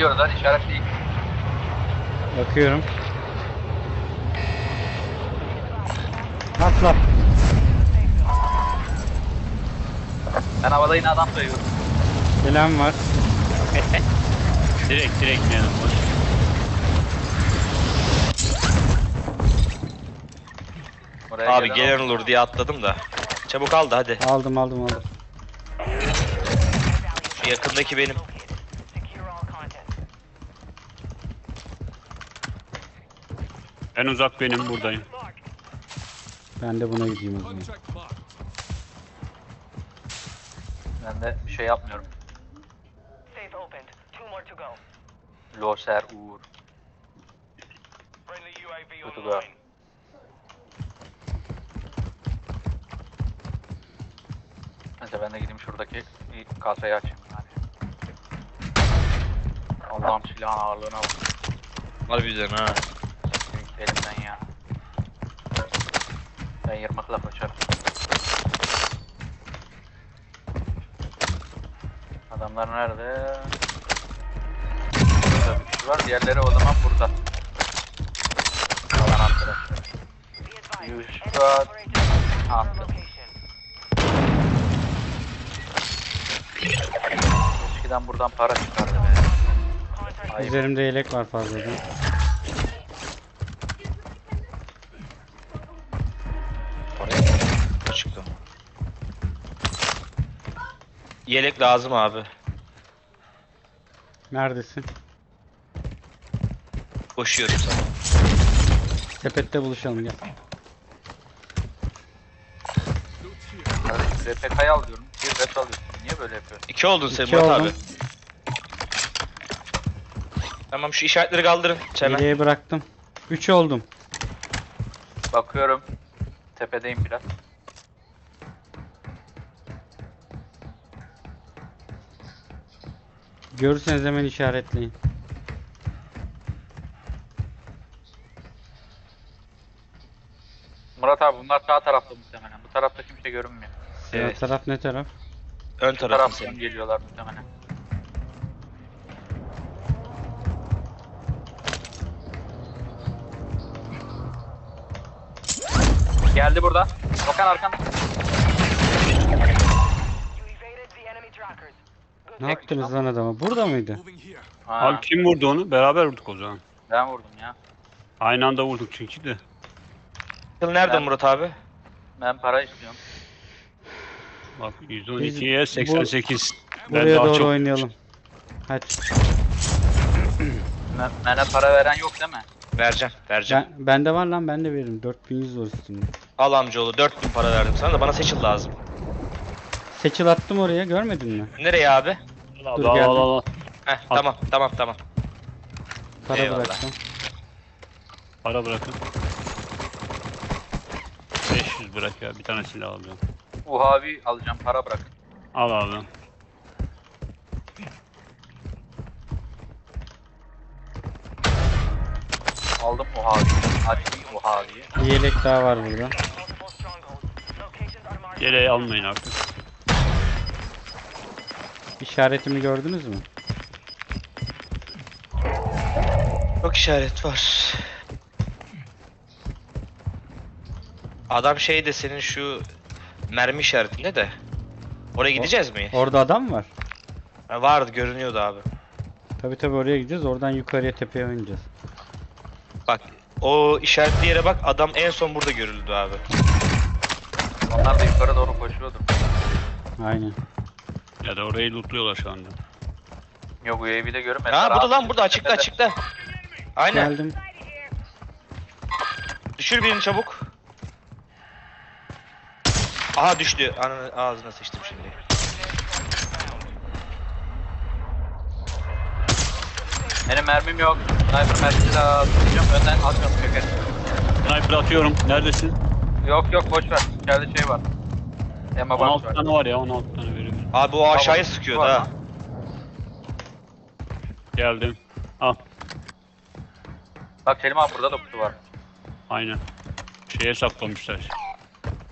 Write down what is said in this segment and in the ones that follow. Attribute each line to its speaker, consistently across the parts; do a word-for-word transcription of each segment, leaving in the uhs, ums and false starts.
Speaker 1: geliyoruz hadi işaretleyin.
Speaker 2: Bakıyorum. Atla.
Speaker 1: Ben havada yine adam sayıyorum.
Speaker 2: Selam var.
Speaker 3: Direkt direkt yanım boş.
Speaker 1: Oraya
Speaker 4: Abi
Speaker 1: gelen
Speaker 4: gelen
Speaker 1: oldu.
Speaker 4: olur diye atladım da. Çabuk al da hadi.
Speaker 2: Aldım aldım aldım.
Speaker 4: Şu yakındaki benim.
Speaker 3: En uzak benim buradayım.
Speaker 2: Ben de buna gideyim o zaman.
Speaker 1: Ben de bir şey yapmıyorum. Loser Uğur. Kötü be. Neyse ben de gideyim şuradaki bir kasayı açayım yani. Allah'ım silahın ağırlığına bak.
Speaker 4: Harbiden ha.
Speaker 1: Elimden ya. Ben yırmakla kaçarım. Adamlar nerede? Burada bir kişi var. Diğerleri o zaman burada. Kalan arkadaşlar. Yuşkat attı. Eskiden buradan para çıkardı be. Ayıp.
Speaker 2: Üzerimde yelek var fazladan.
Speaker 4: Oraya çıktı. Yelek lazım abi.
Speaker 2: Neredesin?
Speaker 4: Koşuyorum sana.
Speaker 2: Sepette buluşalım gel.
Speaker 1: Kardeşim R P K'yı al diyorum. Bir ret alıyorsun. Niye böyle yapıyorsun?
Speaker 4: İki oldun sen
Speaker 2: İki
Speaker 4: Murat
Speaker 2: oldum.
Speaker 4: abi. Tamam şu işaretleri kaldırın. Hemen.
Speaker 2: Yeleği bıraktım. Üç oldum.
Speaker 1: Bakıyorum. Tepedeyim biraz.
Speaker 2: Görürseniz hemen işaretleyin.
Speaker 1: Murat abi bunlar sağ tarafta muhtemelen. Bu tarafta kimse görünmüyor.
Speaker 2: Sağ
Speaker 4: Evet.
Speaker 2: taraf ne taraf?
Speaker 4: Ön
Speaker 1: Bu
Speaker 4: tarafın
Speaker 1: taraftan
Speaker 4: senin.
Speaker 1: geliyorlar muhtemelen. Geldi burada. Okan arkan.
Speaker 2: Ne yaptınız lan adama? Burada mıydı?
Speaker 1: Ha,
Speaker 3: Abi kim vurdu onu? Beraber vurduk o zaman.
Speaker 1: ben vurdum ya.
Speaker 3: Aynı anda vurduk çünkü de.
Speaker 4: Yıl nerede
Speaker 1: Ben-
Speaker 4: Murat abi?
Speaker 1: Ben para istiyorum.
Speaker 3: Bak yüz on ikiye seksen sekiz. Ben
Speaker 2: Buraya
Speaker 3: daha
Speaker 2: doğru
Speaker 3: çok
Speaker 2: oynayalım. Hadi.
Speaker 1: Ben, bana para veren yok değil mi?
Speaker 4: Vereceğim, vereceğim.
Speaker 2: Ben, bende var lan ben de veririm. dört bin yüz var üstünde.
Speaker 4: Al amcaoğlu dört bin para verdim sana da bana seçil lazım.
Speaker 2: Seçil attım oraya görmedin mi?
Speaker 4: Nereye abi?
Speaker 3: al
Speaker 2: Dur,
Speaker 3: al
Speaker 2: geldim.
Speaker 3: al al.
Speaker 4: Heh
Speaker 3: Al.
Speaker 4: tamam tamam tamam.
Speaker 2: Para
Speaker 4: Eyvallah.
Speaker 2: bıraktım.
Speaker 3: Para bırakın. beş yüz bırak ya, bir tane silah alıyorum.
Speaker 1: Uhavi alacağım, para bırak.
Speaker 3: Al abi.
Speaker 1: Aldım Uhavi. Açtım Uhavi'yi.
Speaker 2: Bir yelek daha var burada.
Speaker 3: Yeleği almayın artık.
Speaker 2: İşaretimi gördünüz mü?
Speaker 4: Çok işaret var. Adam şey de senin şu mermi işaretinde de. Oraya gideceğiz mi?
Speaker 2: Orada adam var.
Speaker 4: Ha, vardı görünüyordu abi.
Speaker 2: Tabi tabi oraya gideceğiz. Oradan yukarıya tepeye oynayacağız.
Speaker 4: Bak o işaretli yere bak adam en son burada görüldü abi.
Speaker 1: Onlar da yukarı doğru koşuyordur.
Speaker 2: Aynen.
Speaker 3: Ya da orayı lootluyorlar şu anda.
Speaker 1: Yok U A V'de görünmedi.
Speaker 4: Ha burada lan burada açıkta açıkta. Aynen.
Speaker 2: Geldim.
Speaker 4: Düşür birini çabuk. Aha düştü. Ananı ağzına sıçtım şimdi.
Speaker 1: Benim mermim yok. Sniper mermisi lazım. Önden atmıyorum köker.
Speaker 3: Sniper atıyorum. Neredesin?
Speaker 1: Yok yok boş ver. İçeride şey var. Emma
Speaker 3: on
Speaker 1: box
Speaker 3: altı
Speaker 1: var.
Speaker 3: tane var ya, on altı tane veriyorum.
Speaker 4: Abi o aşağıya
Speaker 1: Tamam,
Speaker 4: sıkıyordu
Speaker 1: var
Speaker 4: ha.
Speaker 1: lan.
Speaker 3: Geldim. Al.
Speaker 1: Bak Selim abi burada da kutu var.
Speaker 3: Aynen. Şeye saklamışlar.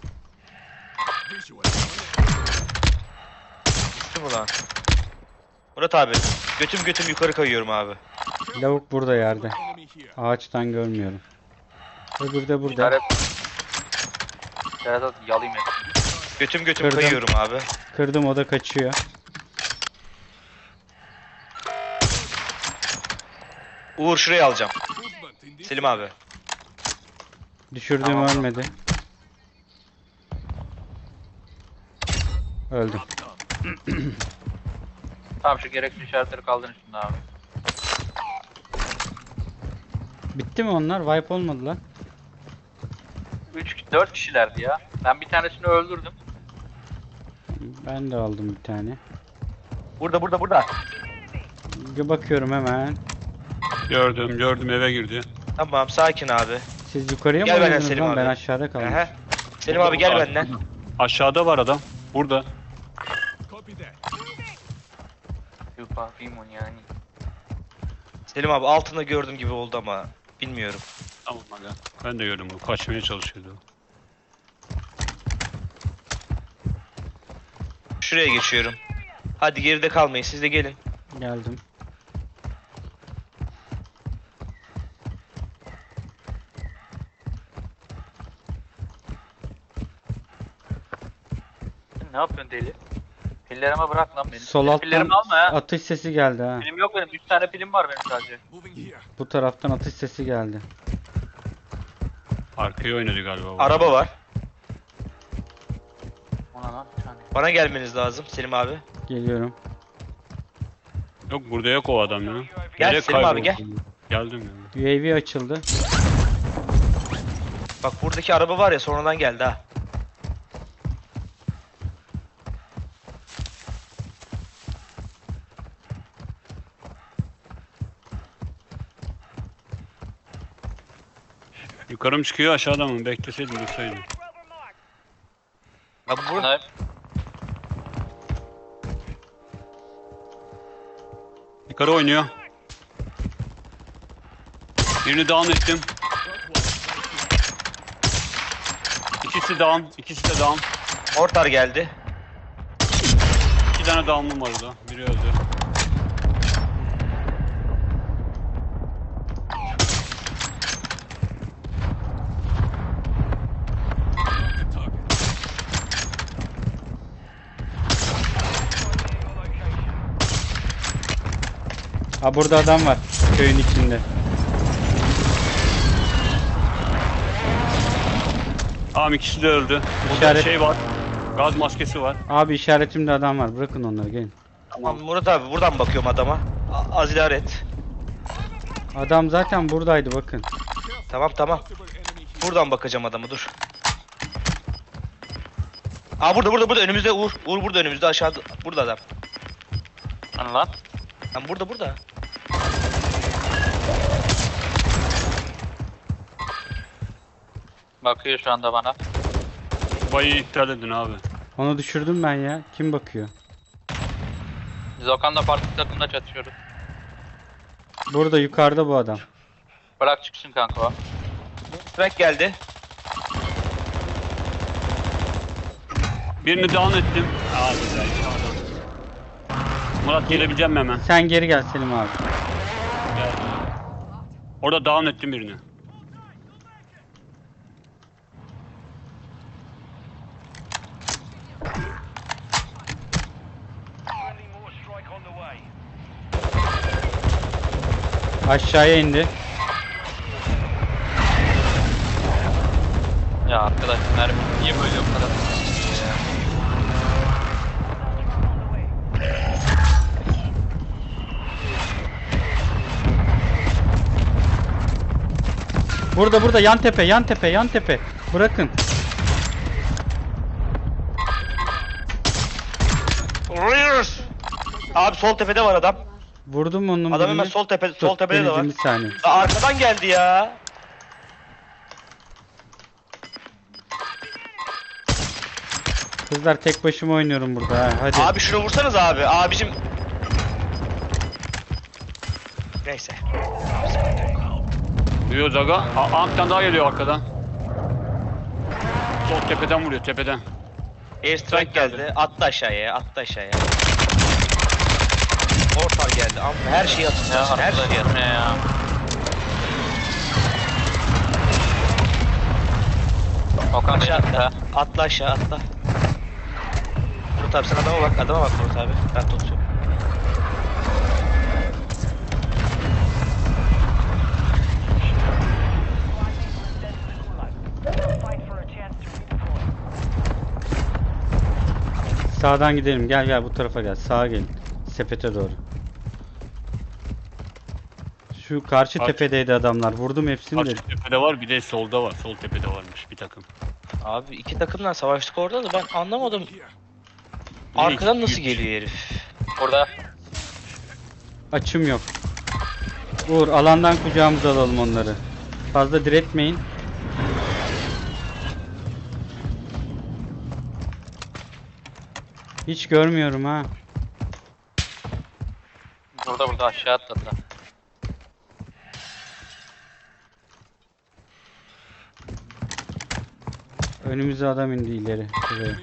Speaker 4: Gitti mi lan? Murat abi götüm götüm yukarı kayıyorum abi.
Speaker 2: Lavuk burada yerde. Ağaçtan görmüyorum. Öbürü de burada.
Speaker 1: İşaret. İşaret at yalayım et.
Speaker 4: Götüm götüm
Speaker 2: Kırdım.
Speaker 4: kayıyorum abi.
Speaker 2: Kırdım, o da kaçıyor.
Speaker 4: Uğur şurayı alacağım. Selim abi.
Speaker 2: Düşürdüğüm
Speaker 1: Tamam.
Speaker 2: ölmedi. Öldüm.
Speaker 1: Tamam şu gereksiz işaretleri kaldırın şimdi abi.
Speaker 2: Bitti mi onlar? Wipe olmadılar.
Speaker 1: üç dört kişilerdi ya. Ben bir tanesini öldürdüm.
Speaker 2: Ben de aldım bir tane.
Speaker 4: Burada burada burada.
Speaker 2: Bir bakıyorum hemen.
Speaker 3: Gördüm gördüm eve girdi.
Speaker 4: Tamam sakin abi.
Speaker 2: Siz yukarıya mı
Speaker 4: Gel benden
Speaker 2: oynadınız
Speaker 4: Selim
Speaker 2: lan?
Speaker 4: abi.
Speaker 2: Ben aşağıda kaldım.
Speaker 4: Aha. Selim abi gel
Speaker 3: Burada,
Speaker 4: benden.
Speaker 3: Aşağıda var adam. Burada.
Speaker 1: Yupa Fimon yani.
Speaker 4: Selim abi altında gördüğüm gibi oldu ama bilmiyorum.
Speaker 3: Tamam aga. Ben de gördüm bunu. Kaçmaya çalışıyordu.
Speaker 4: Şuraya geçiyorum. Hadi geride kalmayın siz de gelin.
Speaker 2: Geldim.
Speaker 1: Sen ne yapıyorsun deli? Pillerime bırak lan beni.
Speaker 2: Sol
Speaker 1: Benim
Speaker 2: alttan
Speaker 1: pillerimi alma ya.
Speaker 2: atış sesi geldi ha.
Speaker 1: Pilim yok benim. üç tane pilim var benim sadece.
Speaker 2: Bu taraftan atış sesi geldi.
Speaker 3: Arkaya oynadı galiba. bu.
Speaker 4: Araba var.
Speaker 1: Ona lan bir tane.
Speaker 4: Bana gelmeniz lazım Selim abi.
Speaker 2: Geliyorum.
Speaker 3: Yok burada yok o adam ya.
Speaker 4: Gel
Speaker 3: Nereye
Speaker 4: Selim abi,
Speaker 3: kayboldu? Geldim ya.
Speaker 2: U A V açıldı.
Speaker 4: Bak buradaki araba var ya sonradan geldi ha.
Speaker 3: Yukarı mı çıkıyor aşağıda mı? Bekleseydim dursaydım.
Speaker 4: Abi bu
Speaker 1: Snipe.
Speaker 3: Yukarı oynuyor. Birini down ettim. İkisi down. İkisi de down.
Speaker 4: mortar geldi.
Speaker 3: İki tane down'um var orada. Biri öldü.
Speaker 2: Ha, burada adam var. Köyün içinde.
Speaker 3: Tamam ikisi de öldü. Burada
Speaker 2: İşaret-
Speaker 3: şey var. Gaz maskesi var.
Speaker 2: Abi işaretimde adam var. Bırakın onları, gelin.
Speaker 4: Tamam Murat abi buradan bakıyorum adama. A- az idare et.
Speaker 2: Adam zaten buradaydı, bakın.
Speaker 4: Tamam tamam. Buradan bakacağım adamı dur. Aa burada burada burada önümüzde Uğur. Uğur burada önümüzde aşağıda. Burada adam.
Speaker 1: Hani lan?
Speaker 4: Lan burada burada.
Speaker 1: Bakıyor şu anda bana.
Speaker 3: Bayı iptal edin abi.
Speaker 2: Onu düşürdüm ben ya. Kim bakıyor?
Speaker 1: Biz Okan'la farklı takımda çatışıyoruz.
Speaker 2: Burada yukarıda bu adam.
Speaker 1: Bırak çıksın kanka o.
Speaker 4: Track geldi.
Speaker 3: Birini down ettim. Abi be. Murat gelebileceğim mi hemen?
Speaker 2: Sen geri gel Selim abi.
Speaker 3: Gel. Orada down ettim birini.
Speaker 2: Aşağıya indi.
Speaker 1: Ya arkadaş mermi niye böyle o kadar? Ya.
Speaker 2: Burada burada yan tepe, yan tepe, yan tepe. Bırakın.
Speaker 4: Vuruyoruz. Abi sol tepede var adam.
Speaker 2: Vurdum onun.
Speaker 4: Adam hemen
Speaker 2: birini.
Speaker 4: sol tepe sol
Speaker 2: Dur,
Speaker 4: tepede de var.
Speaker 2: deneyeceğim bir saniye.
Speaker 4: Aa, arkadan geldi ya.
Speaker 2: Kızlar tek başıma oynuyorum burada ha. Hadi.
Speaker 4: Abi şunu vursanız abi. Abicim. Neyse.
Speaker 3: Duyuyoruz aga. Aa, bir tane daha geliyor arkadan. Sol tepeden vuruyor tepeden.
Speaker 4: Airstrike geldi. Attı aşağıya. Attı aşağıya. Mortar geldi. Amma her şeyi
Speaker 1: Ya
Speaker 4: atacaksın. Her
Speaker 1: arkada
Speaker 4: şeyi
Speaker 1: gelme ya. Okan
Speaker 4: Aşağı
Speaker 1: benim
Speaker 4: atla.
Speaker 1: ha.
Speaker 4: Atla aşağı atla. Murat abi sen adama bak. Adama bak Murat abi. Ben tutuyorum.
Speaker 2: Sağdan gidelim. Gel gel bu tarafa gel. Sağa gelin. Sepete doğru. Şu karşı
Speaker 3: Karşı-
Speaker 2: tepedeydi adamlar. Vurdum hepsini de.
Speaker 3: Karşı tepede var, bir de solda var. Sol tepede varmış bir takım.
Speaker 4: Abi iki takımdan savaştık orada da ben anlamadım. Arkadan nasıl geliyor herif?
Speaker 1: Burada.
Speaker 2: Açım yok. Uğur alandan kucağımıza alalım onları. Fazla diretmeyin. Hiç görmüyorum ha.
Speaker 1: Burada burada aşağı atladılar.
Speaker 2: Önümüze adam indi ileri. Şuraya.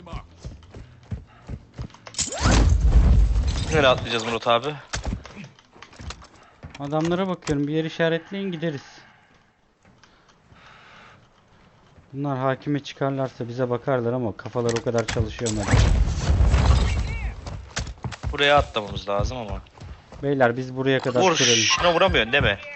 Speaker 4: Nereye atlayacağız Murat abi?
Speaker 2: Adamlara bakıyorum. Bir yer işaretleyin gideriz. Bunlar hakime çıkarlarsa bize bakarlar ama kafalar o kadar çalışıyor mu?
Speaker 4: Buraya atlamamız lazım ama.
Speaker 2: Beyler biz buraya kadar
Speaker 4: Vur,
Speaker 2: sürelim.
Speaker 4: şuna vuramıyorsun değil mi?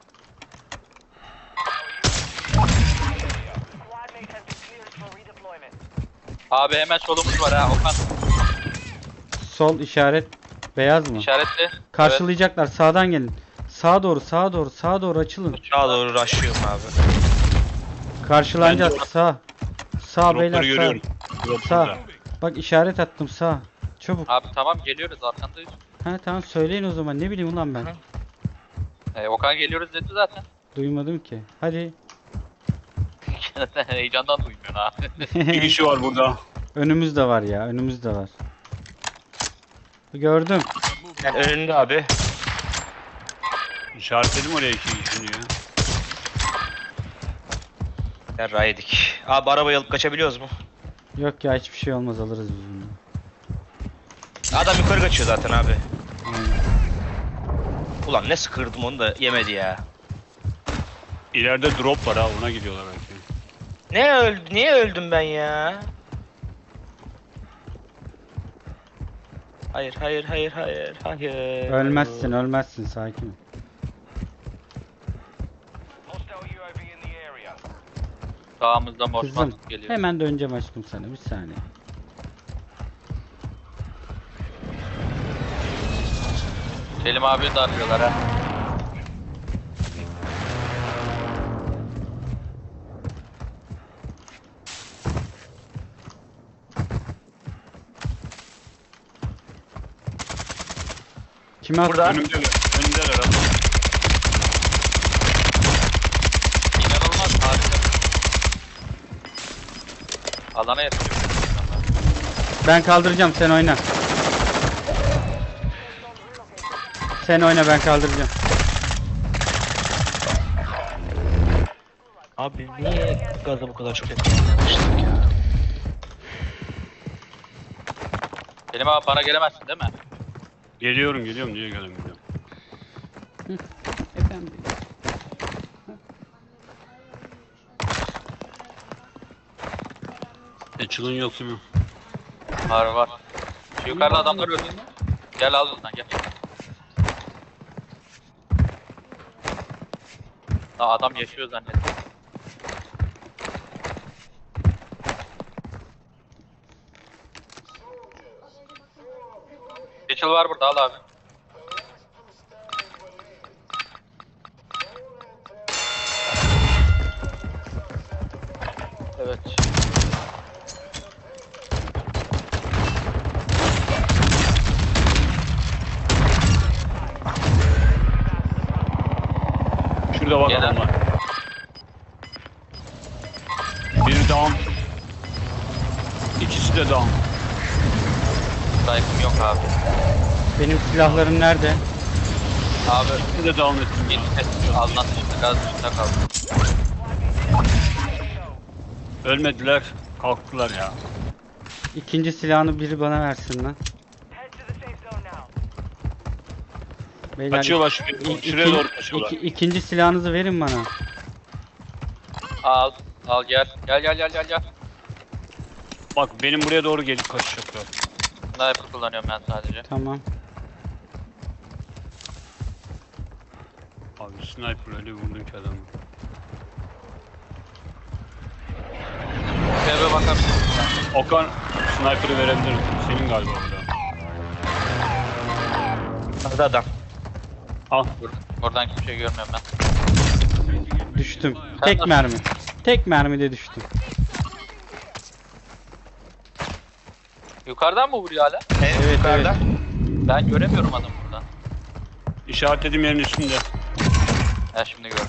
Speaker 1: Abi hemen solumuz var ha Okan.
Speaker 2: Sol işaret beyaz mı?
Speaker 1: İşaretli.
Speaker 2: Karşılayacaklar. Sağdan gelin. Sağa doğru, sağa doğru, sağa doğru açılın.
Speaker 4: Sağa doğru rushlıyorum abi.
Speaker 2: Karşılanacağız.
Speaker 3: Ben de-
Speaker 2: Sağ. Sağ beyler
Speaker 3: Dropları
Speaker 2: sağ.
Speaker 3: görüyorum. Drop
Speaker 2: Sağ.
Speaker 3: burada.
Speaker 2: Bak işaret attım sağ. Çabuk.
Speaker 1: Abi tamam geliyoruz arkandayız.
Speaker 2: Ha tamam söyleyin o zaman. Ne bileyim ulan ben.
Speaker 4: Hı.
Speaker 1: Ee, Okan geliyoruz dedi zaten.
Speaker 2: Duymadım ki. Hadi.
Speaker 1: Heyecandan duymuyorsun ha.
Speaker 3: Bir kişi var burada.
Speaker 2: Önümüz de var ya. Önümüz de var. Gördüm.
Speaker 4: Yani önünde abi.
Speaker 3: İşaretledim oraya iki kişini ya.
Speaker 4: Yarrağı yedik. Abi arabayı alıp kaçabiliyoruz mu?
Speaker 2: Yok ya hiçbir şey olmaz alırız biz bunu.
Speaker 4: Adam yukarı kaçıyor zaten abi.
Speaker 2: Aynen.
Speaker 4: Ulan ne sıkırdım onu da yemedi ya.
Speaker 3: İleride drop var ha, ona gidiyorlar belki.
Speaker 4: Ne öldü? Niye öldüm ben ya? Hayır, hayır, hayır, hayır, hayır.
Speaker 2: Ölmezsin ölmezsin sakin ol.
Speaker 1: Sağımızda Osman
Speaker 2: Kızım
Speaker 1: geliyor.
Speaker 2: hemen döneceğim aşkım sana bir saniye.
Speaker 1: Selim abi darlıyorlar ha.
Speaker 2: Kime at?
Speaker 4: Burada.
Speaker 3: Önümdeler. Önümdeler abi.
Speaker 1: İnanılmaz harika. Alana yatıyor.
Speaker 2: Ben kaldıracağım sen oyna. Sen oyna ben kaldıracağım.
Speaker 4: Abi niye gaza bu kadar çok yakınlaştık ya?
Speaker 1: Selim abi bana gelemezsin değil mi?
Speaker 3: Geliyorum geliyorum, niye gelemiyorum.
Speaker 2: Efendim.
Speaker 3: Açılın yok mu?
Speaker 1: Var var. Şu yukarıda adamlar öldü. Gel al bundan gel. Aa, adam yaşıyor zannettim. Geçil var burada al abi. Evet.
Speaker 3: Şurada bak
Speaker 1: Gel abi.
Speaker 3: adamlar. Biri down. İkisi de down.
Speaker 1: Saygım yok abi.
Speaker 2: Benim silahlarım nerede?
Speaker 1: Abi
Speaker 3: İkisi de down ettim ya.
Speaker 1: git alınan dışında gaz dışında kaldı.
Speaker 3: Ölmediler. Kalktılar ya.
Speaker 2: İkinci silahını biri bana versin lan. Beyler,
Speaker 3: Kaçıyorlar
Speaker 2: ik-
Speaker 3: şuraya,
Speaker 2: ik-
Speaker 3: şuraya
Speaker 2: iki-
Speaker 3: doğru kaçıyorlar.
Speaker 2: iki- ikinci silahınızı verin bana.
Speaker 1: Al. Al gel. Gel gel gel gel gel.
Speaker 3: Bak benim buraya doğru gelip kaçacaklar.
Speaker 1: Sniper kullanıyorum ben sadece.
Speaker 2: Tamam.
Speaker 3: Abi sniper öyle vurdun ki adamı.
Speaker 1: Eve bakabilirsin.
Speaker 3: Okan sniper'ı verebilirim. Senin galiba orada.
Speaker 4: Hadi adam.
Speaker 3: Al.
Speaker 1: Oradan hiçbir şey görmüyorum ben.
Speaker 2: Düştüm.
Speaker 1: Sen
Speaker 2: Tek
Speaker 1: nasıl-
Speaker 2: mermi. Tek mermide düştüm.
Speaker 1: Yukarıdan mı vuruyor hala?
Speaker 4: Evet,
Speaker 2: Evet,
Speaker 4: yukarıda.
Speaker 1: Ben göremiyorum adamı buradan.
Speaker 3: İşaretlediğim yerin üstünde.
Speaker 1: Ha şimdi gördüm.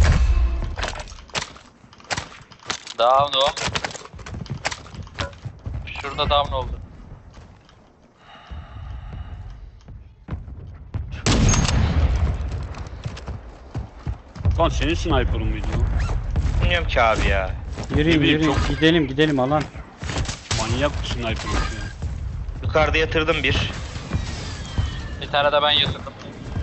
Speaker 1: Down o. Şurada down oldu.
Speaker 3: Okan senin sniper'ın mıydı o?
Speaker 4: Bilmiyorum ki abi ya.
Speaker 2: Yürüyün
Speaker 3: Ne bileyim,
Speaker 2: yürüyün.
Speaker 3: çok-
Speaker 2: Gidelim gidelim alan.
Speaker 3: Manyak bir sniper'ın ya.
Speaker 4: Yukarıda yatırdım bir.
Speaker 1: Bir tane de ben yatırdım.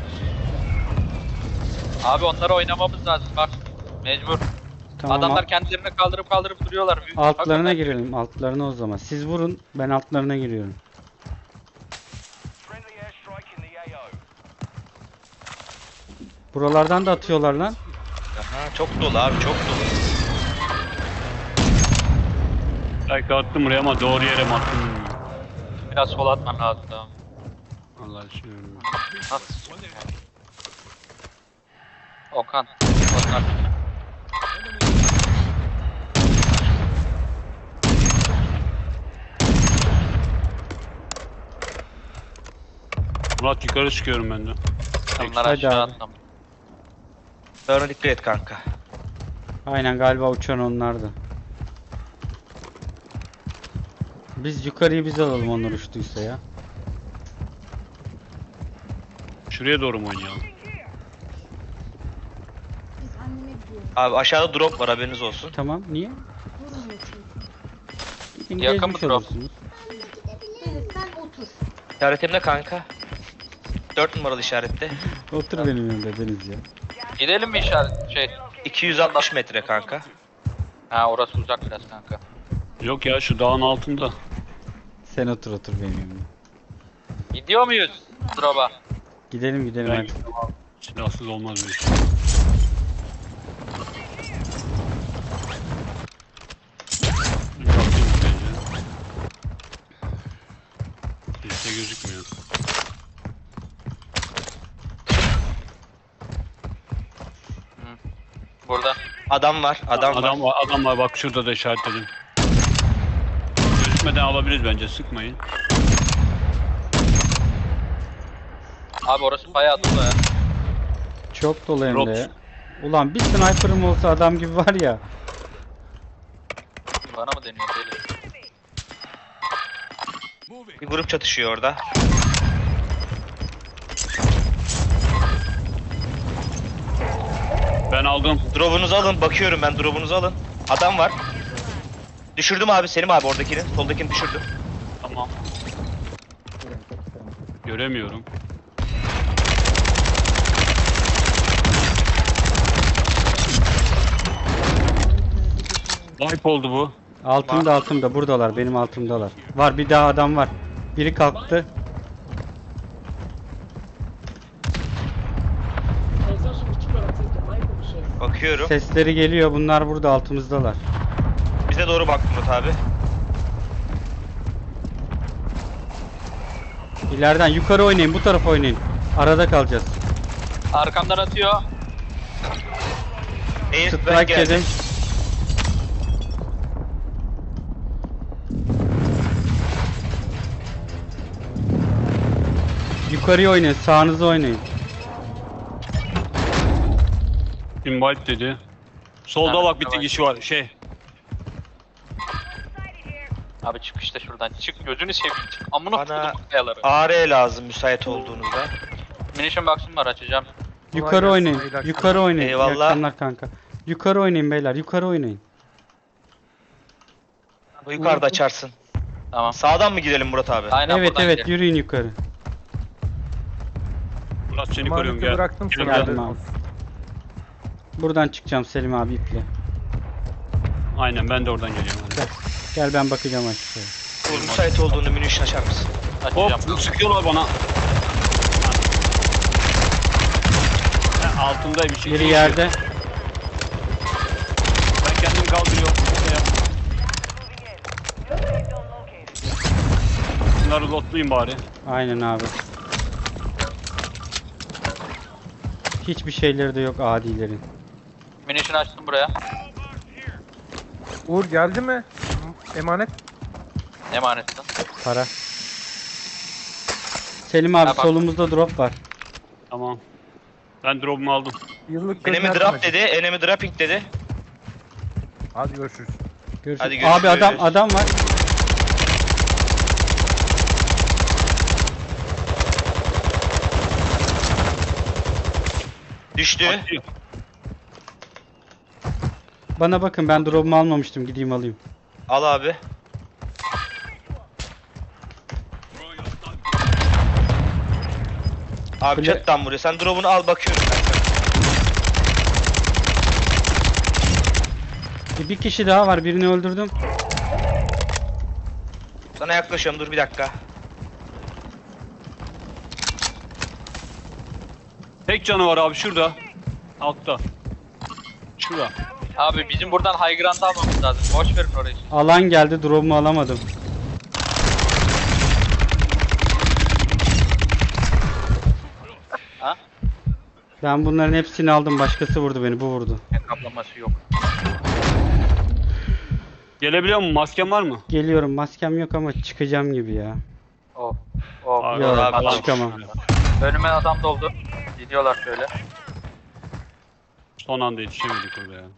Speaker 1: Abi onları oynamamız lazım bak. Mecbur.
Speaker 2: Tamam.
Speaker 1: Adamlar
Speaker 2: alt-
Speaker 1: kendilerini kaldırıp kaldırıp duruyorlar. Büyük-
Speaker 2: altlarına
Speaker 1: Hakikaten-
Speaker 2: girelim. Altlarına o zaman. Siz vurun. Ben altlarına giriyorum. Buralardan da atıyorlar lan.
Speaker 4: Aha, çok dolu abi, çok dolu.
Speaker 3: Belki attım buraya ama doğru yere mi attım bilmiyorum.
Speaker 1: Biraz sol atman lazım daha.
Speaker 3: Allah aşkına.
Speaker 1: Ha. Okan. Okan.
Speaker 3: Murat yukarı çıkıyorum ben de.
Speaker 1: Onlar
Speaker 2: Hadi
Speaker 1: aşağı
Speaker 2: abi.
Speaker 1: atlamış.
Speaker 4: Sonra dikkat et kanka.
Speaker 2: Aynen galiba uçan onlardı. Biz yukarıyı biz alalım onlar uçtuysa ya.
Speaker 3: Şuraya doğru mu oynayalım?
Speaker 5: Biz anneme gidiyoruz.
Speaker 4: Abi aşağıda drop var, haberiniz olsun.
Speaker 2: Tamam niye?
Speaker 5: Vurmuyor çünkü.
Speaker 2: Gidin
Speaker 1: Yakın
Speaker 2: gezmiş
Speaker 1: mı drop?
Speaker 2: olursunuz.
Speaker 5: Deniz sen otur.
Speaker 4: İşaretimde kanka. dört numaralı işarette.
Speaker 2: Otur benim yanımda Deniz ya.
Speaker 1: Gidelim mi işaret şey?
Speaker 4: iki yüz altmış metre kanka.
Speaker 1: Ha orası uzak biraz kanka.
Speaker 3: Yok ya şu dağın altında.
Speaker 2: Sen otur otur benim yanımda.
Speaker 1: Gidiyor muyuz? Drop'a.
Speaker 2: Gidelim gidelim
Speaker 3: Ben
Speaker 2: hadi.
Speaker 3: silahsız olmaz bu iş. Bir bakayım bence. Kimse gözükmüyor.
Speaker 1: Burada.
Speaker 4: Adam var, adam,
Speaker 3: Adam
Speaker 4: var.
Speaker 3: var, adam var bak şurada da işaretledim. Gözükmeden alabiliriz bence, sıkmayın.
Speaker 1: Abi orası bayağı dolu ya.
Speaker 2: Çok dolu hem
Speaker 3: Drop.
Speaker 2: de. Ulan bir sniper'ım olsa adam gibi var ya.
Speaker 1: Bana mı deniyor deli?
Speaker 4: Bir grup çatışıyor orada.
Speaker 3: Ben aldım.
Speaker 4: Drop'unuzu alın, bakıyorum ben, drop'unuzu alın. Adam var. Düşürdüm abi, Selim abi oradakini. Soldakini düşürdüm.
Speaker 3: Tamam. Göremiyorum. Wipe oldu bu.
Speaker 2: Altımda altımda buradalar benim altımdalar. Var bir daha adam var. Biri kalktı.
Speaker 4: Bakıyorum.
Speaker 2: Sesleri geliyor bunlar burada altımızdalar.
Speaker 4: Bize doğru bak Murat abi.
Speaker 2: İleriden yukarı oynayın bu tarafa oynayın. Arada kalacağız.
Speaker 1: Arkamdan atıyor.
Speaker 4: Air strike
Speaker 2: Strike
Speaker 4: geldi.
Speaker 2: yedi. Yukarıya oynayın sağınıza oynayın.
Speaker 3: Invite dedi. Solda
Speaker 1: Ha,
Speaker 3: bak bir
Speaker 1: tamam.
Speaker 3: kişi var. Şey.
Speaker 1: Abi çık işte şuradan. Çık gözünü seveyim çık. Amına
Speaker 4: Bana
Speaker 1: koydum kayaları.
Speaker 4: A R lazım müsait olduğunuzda.
Speaker 1: Munition box'um var açacağım.
Speaker 2: Yukarı oynayın. Yukarı oynayın.
Speaker 4: Eyvallah.
Speaker 2: İyi akşamlar kanka. Yukarı oynayın beyler. Yukarı oynayın.
Speaker 4: Bu yukarıda açarsın.
Speaker 1: Tamam.
Speaker 4: Sağdan mı gidelim Murat abi?
Speaker 1: Aynen
Speaker 2: Evet
Speaker 1: buradan
Speaker 2: evet
Speaker 1: gidelim.
Speaker 2: yürüyün yukarı.
Speaker 3: Murat seni koruyorum
Speaker 6: Emaneti
Speaker 3: gel.
Speaker 6: bıraktım
Speaker 3: Gel,
Speaker 6: sana.
Speaker 3: gel.
Speaker 2: Geldim abi. Buradan çıkacağım Selim abi iple.
Speaker 3: Aynen ben de oradan geliyorum. Hadi.
Speaker 2: Gel. Gel ben bakacağım aşağıya.
Speaker 4: Uğur müsait olduğunda munition açar mısın?
Speaker 1: Açacağım.
Speaker 3: Hop sıkıyorlar bana. Ha, altımda bir şey.
Speaker 2: Biri yerde.
Speaker 3: Ben kendimi kaldırıyorum. Şey yap. Bunları lootlayayım bari.
Speaker 2: Aynen abi. Hiçbir şeyleri de yok adilerin.
Speaker 1: Munition açtım buraya.
Speaker 6: Uğur geldi mi? Emanet.
Speaker 1: Emanetsin.
Speaker 2: Para. Selim abi
Speaker 1: Ha, bak.
Speaker 2: solumuzda drop var.
Speaker 3: Tamam. Ben drop'umu aldım.
Speaker 6: Yıllık
Speaker 4: Enemy
Speaker 6: gönderdim
Speaker 4: drop
Speaker 6: hadi.
Speaker 4: dedi, enemy dropping dedi.
Speaker 6: Hadi görüşürüz.
Speaker 2: Görüşürüz.
Speaker 4: Hadi görüşürüz.
Speaker 2: Abi adam adam var.
Speaker 4: Düştü.
Speaker 3: Atıyor.
Speaker 2: Bana bakın ben drop'umu almamıştım. Gideyim alayım.
Speaker 4: Al abi. Abi
Speaker 2: Kule-
Speaker 4: çatıdan vuruyor. Sen drop'unu al bakıyorum kanka.
Speaker 2: Bir kişi daha var. Birini öldürdüm.
Speaker 4: Sana yaklaşıyorum dur bir dakika.
Speaker 3: Tek canı var abi şurada. Altta. Şurada.
Speaker 1: Abi bizim buradan high ground almamız lazım. Boş verin orayı.
Speaker 2: Alan geldi. Drop'umu alamadım.
Speaker 1: Ha?
Speaker 2: Ben bunların hepsini aldım. Başkası vurdu beni. Bu vurdu.
Speaker 1: Kaplaması yok.
Speaker 3: Gelebiliyor musun? Masken var mı?
Speaker 2: Geliyorum. Maskem yok ama çıkacağım gibi ya.
Speaker 1: Oh. Oh.
Speaker 3: Abi,
Speaker 2: Yok,
Speaker 4: abi,
Speaker 1: adam.
Speaker 2: çıkamam.
Speaker 1: Önüme adam doldu. Gidiyorlar şöyle.
Speaker 3: Son anda yetişemedik orada ya.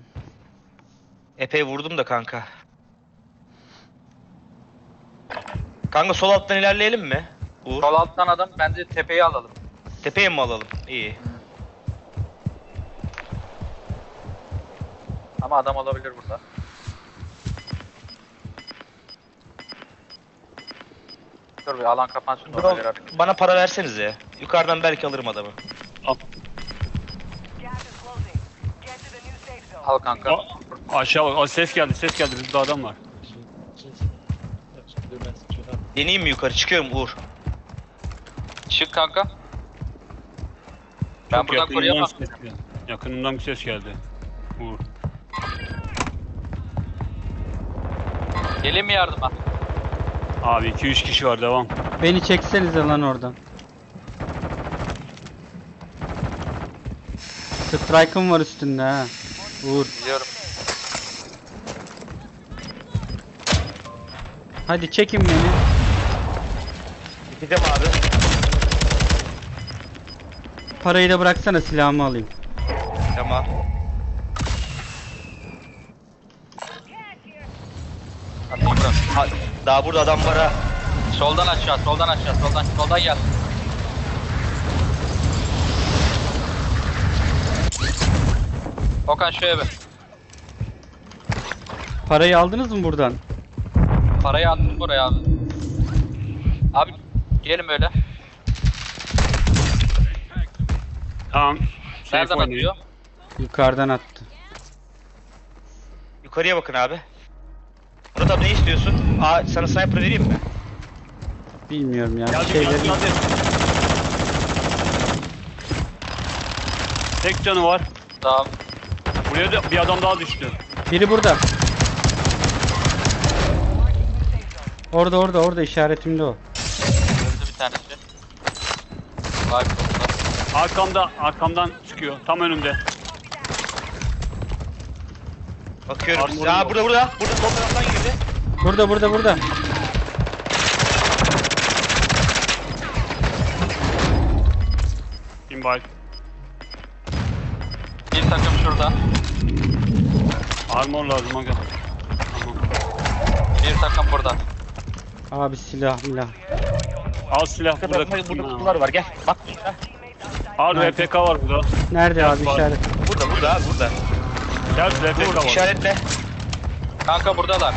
Speaker 4: Epey vurdum da kanka. Kanka sol alttan ilerleyelim mi? Uğur.
Speaker 1: Sol alttan adam. Bence tepeyi alalım.
Speaker 4: Tepeye mi alalım? İyi.
Speaker 1: Ama adam olabilir burada. Dur bir alan kapansın da ona göre
Speaker 4: Bro,
Speaker 1: hareket.
Speaker 4: bana para versenize. Yukarıdan belki alırım adamı.
Speaker 3: Al.
Speaker 1: Al kanka.
Speaker 3: A- aşağı bak. Aa, ses geldi ses geldi. Burada adam var.
Speaker 4: Deneyeyim mi yukarı? Çıkıyorum Uğur.
Speaker 1: Çık kanka. Ben
Speaker 3: Çok
Speaker 1: buradan
Speaker 3: yakınımdan
Speaker 1: koruyamam.
Speaker 3: ses geldi. Yakınımdan bir ses geldi. Uğur.
Speaker 1: Gelin mi yardıma?
Speaker 3: Abi iki üç kişi var devam.
Speaker 2: Beni çeksenize lan oradan. Strike'ım var üstünde ha. Uğur.
Speaker 1: Biliyorum.
Speaker 2: Hadi çekin beni.
Speaker 4: Gideceğim abi.
Speaker 2: Parayı da bıraksana silahımı alayım.
Speaker 4: Tamam.
Speaker 1: Hadi bırak.
Speaker 4: Ha, daha burada adam var ha.
Speaker 1: Soldan aşağı, soldan aşağı, soldan, soldan gel. Okan şu eve.
Speaker 2: Parayı aldınız mı buradan?
Speaker 1: Parayı attım buraya abi. Abi gelin böyle.
Speaker 3: Tamam.
Speaker 1: Nereden
Speaker 3: Safe oynayın.
Speaker 1: atıyor?
Speaker 2: Yukarıdan attı.
Speaker 4: Yukarıya bakın abi. Murat abi ne istiyorsun? Aa sana sniper vereyim mi?
Speaker 2: Bilmiyorum ya.
Speaker 3: Geldi,
Speaker 2: Bir şeyleri...
Speaker 3: geldi, geldi. Tek canı var.
Speaker 1: Tamam.
Speaker 3: Buraya da bir adam daha düştü.
Speaker 2: Biri burada. Orada orada orada işaretimde o.
Speaker 1: Öldü bir tanesi. Vay be.
Speaker 3: Arkamda, arkamdan çıkıyor. Tam önümde.
Speaker 4: Bakıyorum.
Speaker 3: Armorum
Speaker 4: Aa
Speaker 3: yok.
Speaker 4: burada burada. Burada sol taraftan girdi.
Speaker 2: Burada burada burada.
Speaker 3: Invite.
Speaker 1: Bir takım şurada.
Speaker 3: Armor lazım aga. Tamam.
Speaker 1: Bir takım burada.
Speaker 2: Abi silah milah.
Speaker 3: Al silah
Speaker 4: Burada,
Speaker 3: burada.
Speaker 4: burada, burada kutular var gel. Bak burada.
Speaker 3: Al R P K var burada.
Speaker 2: Nerede abi
Speaker 3: var.
Speaker 2: işaret?
Speaker 4: Burada burada abi burada.
Speaker 3: Gel R P K
Speaker 4: Dur
Speaker 3: var.
Speaker 4: işaretle.
Speaker 1: Kanka buradalar.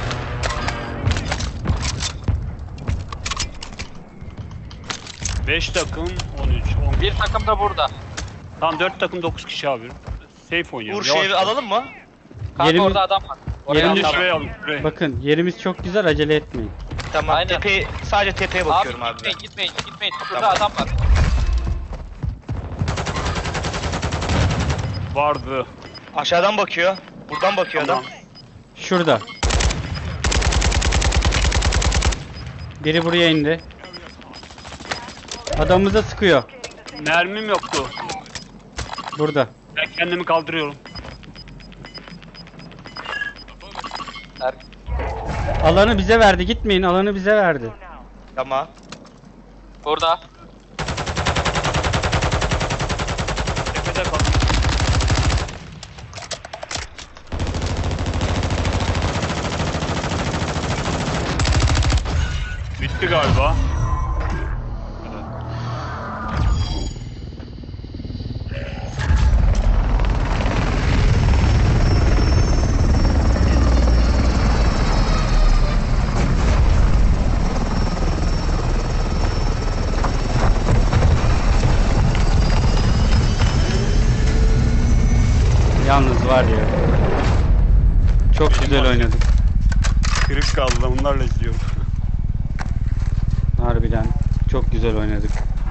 Speaker 3: beş takım on üç on bir.
Speaker 1: Bir takım da burada.
Speaker 3: Tamam dört takım dokuz kişi abi. Safe oynayalım.
Speaker 4: Uğur şu evi alalım mı?
Speaker 1: Kanka
Speaker 2: Yerimiz-
Speaker 1: orada adam var. Oraya
Speaker 2: Yerimiz-
Speaker 3: Şimdi
Speaker 1: atalım.
Speaker 3: şuraya alın şuraya.
Speaker 2: Bakın yerimiz çok güzel, acele etmeyin.
Speaker 4: Tamam.
Speaker 1: Aynen.
Speaker 4: Tepe, sadece tepeye
Speaker 1: Abi
Speaker 4: bakıyorum abi.
Speaker 1: gitmeyin, gitmeyin, gitmeyin. Şurada
Speaker 4: Tamam.
Speaker 1: adam var.
Speaker 3: Vardı.
Speaker 4: Aşağıdan bakıyor. Buradan bakıyor
Speaker 3: Tamam.
Speaker 4: adam.
Speaker 2: Şurada. Biri buraya indi. Adamımıza sıkıyor.
Speaker 3: Mermim yoktu.
Speaker 2: Burada.
Speaker 3: Ben kendimi kaldırıyorum.
Speaker 1: Er-
Speaker 2: Alanı bize verdi. Gitmeyin. Alanı bize verdi.
Speaker 4: Tamam.
Speaker 1: Burada.
Speaker 3: Tepede kal. Bitti galiba.
Speaker 2: Yalnız var ya. Çok güzel oynadık.
Speaker 3: Kırık kaldı, onlarla izliyorum.
Speaker 2: Harbiden çok güzel oynadık.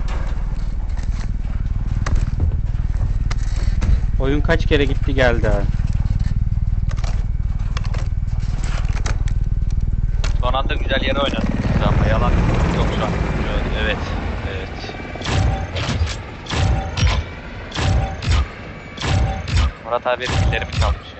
Speaker 2: Oyun kaç kere gitti geldi ha.
Speaker 1: Son anda güzel yere oynadım. Ama yalan yok şu an.
Speaker 4: Evet. Evet.
Speaker 1: Murat abi killerimi çalmış.